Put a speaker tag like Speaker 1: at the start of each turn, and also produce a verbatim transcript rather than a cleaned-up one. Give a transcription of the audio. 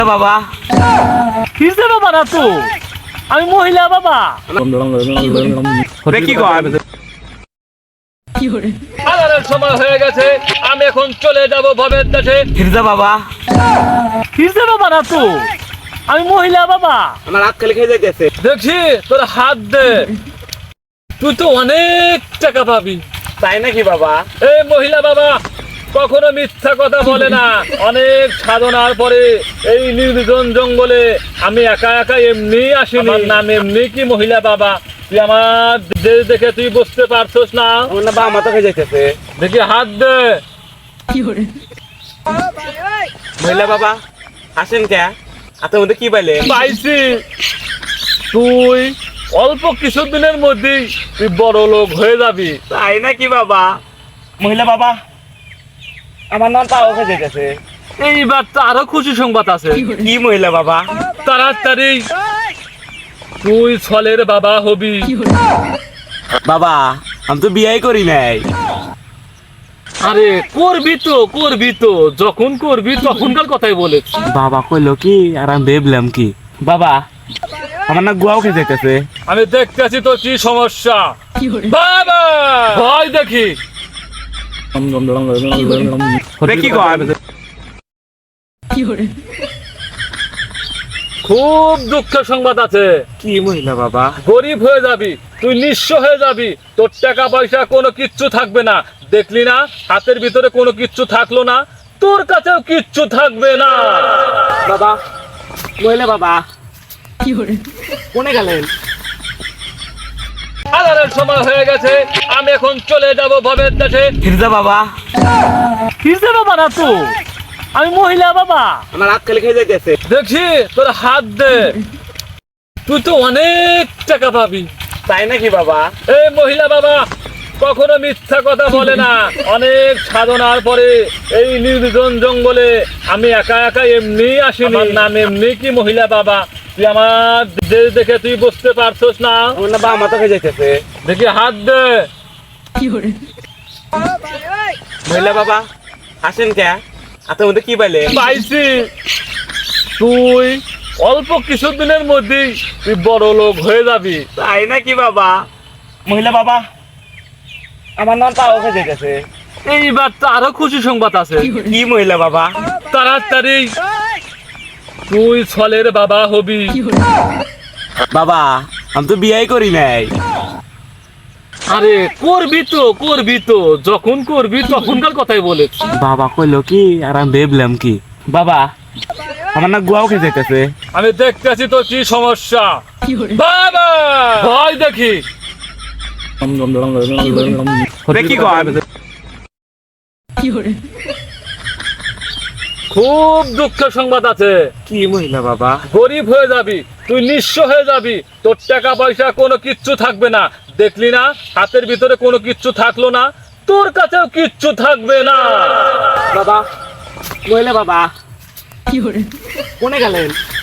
Speaker 1: বাবা
Speaker 2: কিসে বাবা না তো আমি মহিলা বাবা
Speaker 1: কি কয়
Speaker 2: আলারের সময় হয়ে গেছে আমি এখন চলে যাব ভবের দেশে
Speaker 1: ফিরজা বাবা
Speaker 2: কিসে বাবা না তো আমি মহিলা বাবা
Speaker 1: আমার হাত খালি খেয়ে যাইতেছে।
Speaker 2: দেখছি তোর হাত দে তুই তো অনেক টাকা পাবি
Speaker 1: তাই নাকি বাবা?
Speaker 2: এই মহিলা বাবা কখনো মিথ্যা কথা বলে না। অনেক সাধনার পরে এই নির্জন জঙ্গলে আমি একা একা এমনি আসিনি। আমার নাম এমনি কি মহিলা বাবা? তুই আমার দেশ দেখে তুই বুঝতে পারছস না?
Speaker 1: আমার না বাবা মাথা খেয়ে যাইতেছে।
Speaker 2: দেখি হাত দে।
Speaker 1: মহিলা বাবা আসেন কে? হাতের মধ্যে কি পাইলে?
Speaker 2: পাইছি তুই অল্প কিছুদিনের মধ্যেই তুই বড় লোক হয়ে যাবি।
Speaker 1: তাই নাকি বাবা? মহিলা বাবা আমার নাম পাও খেয়ে যাইতেছে।
Speaker 2: এইবার তো আরো খুশি সংবাদ আছে।
Speaker 1: কি মহিলা বাবা?
Speaker 2: তাড়াতাড়ি তুই ছলের বাবা হবি।
Speaker 1: বাবা আমি তো বিয়াই করি নাই।
Speaker 2: আরে করবি তো করবি তো যখন করবি তখনকার কথাই বলেছ।
Speaker 1: বাবা কইলো কি আর আমি ভেবলাম কি বাবা আমার না গুয়াও খেয়ে যাইতেছে।
Speaker 2: আমি দেখতেছি তো কি সমস্যা। বাবা ভয় দেখি
Speaker 1: কি কয়?
Speaker 2: খুব দুঃখের সংবাদ আছে।
Speaker 1: কি মহিলা বাবা?
Speaker 2: গরিব হয়ে যাবি, তুই নিঃস্ব হয়ে যাবি, তোর টাকা পয়সা কোনো কিচ্ছু থাকবে না। দেখলি না হাতের ভিতরে কোনো কিচ্ছু থাকলো না, তোর কাছেও কিচ্ছু থাকবে না।
Speaker 1: বাবা মহিলা বাবা কোনে গেলেন?
Speaker 2: আলারের সময় হয়ে গেছে আমি এখন চলে যাব ভবের দেশে।
Speaker 1: ফিরজা বাবা
Speaker 2: কিসে বাবা না তো আমি মহিলা বাবা।
Speaker 1: আমার হাত খালি খেয়ে যাইতেছে।
Speaker 2: দেখছি তোর হাত দে তুই তো অনেক টাকা পাবি।
Speaker 1: তাই নাকি বাবা?
Speaker 2: এই মহিলা বাবা কখনো মিথ্যা কথা বলে না। অনেক সাধনার পরে এই নির্জন জঙ্গলে আমি একা একা এমনি আসিনি। আমার নাম এমনি কি মহিলা বাবা? তুই আমার দেশ দেখে তুই বুঝতে পারছস না?
Speaker 1: আমার না বাবা মাথা খেয়ে যাইতেছে।
Speaker 2: দেখি হাত দে।
Speaker 1: মহিলা বাবা আসেন কে? হাতের মধ্যে কি পাইলে?
Speaker 2: পাইছি তুই অল্প কিছুদিনের মধ্যেই তুই বড় লোক হয়ে যাবি।
Speaker 1: তাই নাকি বাবা? মহিলা বাবা আমার নাম পাও খেয়ে যাইতেছে।
Speaker 2: এইবার তো আরো খুশি সংবাদ আছে।
Speaker 1: কি মহিলা বাবা?
Speaker 2: তাড়াতাড়ি তুই ছলের বাবা হবি।
Speaker 1: বাবা আমি তো বিয়াই করি নাই।
Speaker 2: আরে করবি তো করবি তো যখন করবি তখনকার কথাই বলেছ।
Speaker 1: বাবা কইলো কি আর আমি ভেবলাম কি বাবা আমার না গুয়াও খেয়ে যাইতেছে।
Speaker 2: আমি দেখতেছি তো কি সমস্যা। বাবা ভয় দেখি
Speaker 1: কি কয়?
Speaker 2: খুব দুঃখের সংবাদ আছে।
Speaker 1: কি মহিলা বাবা?
Speaker 2: গরিব হয়ে যাবি, তুই নিঃস্ব হয়ে যাবি, তোর টাকা পয়সা কোনো কিচ্ছু থাকবে না। দেখলি না হাতের ভিতরে কোনো কিচ্ছু থাকলো না, তোর কাছেও কিচ্ছু থাকবে না।
Speaker 1: বাবা মহিলা বাবা কোনে গেলেন?